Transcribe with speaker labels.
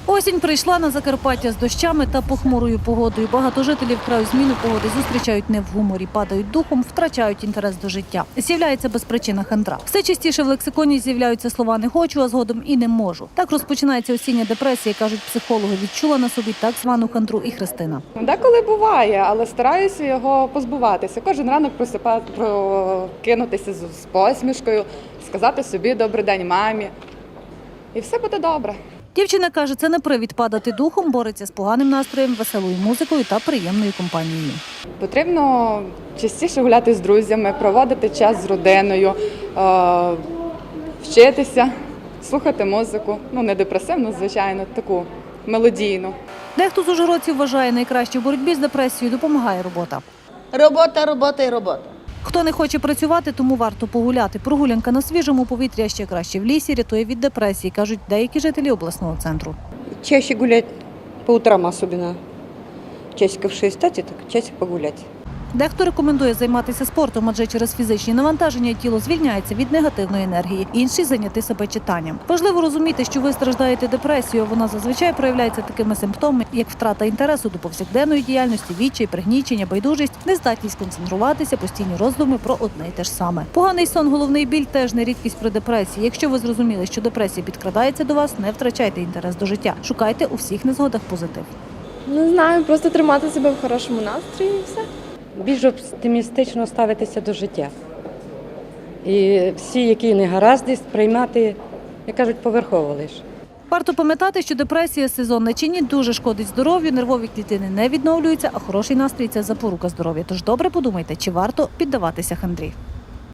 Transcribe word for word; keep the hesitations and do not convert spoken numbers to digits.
Speaker 1: Осінь прийшла на Закарпаття з дощами та похмурою погодою. Багато жителів краю зміну погоди зустрічають не в гуморі, падають духом, втрачають інтерес до життя. З'являється безпричинна хандра. Все частіше в лексиконі з'являються слова «не хочу», а згодом і «не можу». Так розпочинається осіння депресія, кажуть психологи. Відчула на собі так звану хандру і Христина.
Speaker 2: Деколи буває, але стараюся його позбуватися. Кожен ранок просипати, прокинутися з посмішкою, сказати собі «добрий день мамі» і все буде добре.
Speaker 1: Дівчина каже, це не привід падати духом, бореться з поганим настроєм, веселою музикою та приємною компанією.
Speaker 2: Потрібно частіше гуляти з друзями, проводити час з родиною, вчитися, слухати музику. Ну, не депресивну, звичайно, таку мелодійну.
Speaker 1: Дехто з ужгородців вважає, найкраще в боротьбі з депресією допомагає робота.
Speaker 3: Робота, робота і робота.
Speaker 1: Хто не хоче працювати, тому варто погуляти. Прогулянка на свіжому повітрі, а ще краще в лісі, рятує від депресії, кажуть деякі жителі обласного центру.
Speaker 4: Чаще гулять по утрам особенно. Часиков шесть встать и так часик погулять.
Speaker 1: Дехто рекомендує займатися спортом, адже через фізичні навантаження тіло звільняється від негативної енергії. Інші – зайняти себе читанням. Важливо розуміти, що ви страждаєте депресією. Вона зазвичай проявляється такими симптомами, як втрата інтересу до повсякденної діяльності, відчай, пригнічення, байдужість, нездатність концентруватися, постійні роздуми про одне й те ж саме. Поганий сон, головний біль – теж не рідкість при депресії. Якщо ви зрозуміли, що депресія підкрадається до вас, не втрачайте інтерес до життя. Шукайте у всіх незгодах позитив.
Speaker 5: Не знаю, просто тримати себе в хорошому настрої і все.
Speaker 6: Більш оптимістично ставитися до життя. І всі, які негаразди, сприймати, як кажуть, поверхово лише.
Speaker 1: Варто пам'ятати, що депресія сезонна чи ні дуже шкодить здоров'ю, нервові клітини не відновлюються, а хороший настрій – це запорука здоров'я. Тож добре подумайте, чи варто піддаватися хандрі.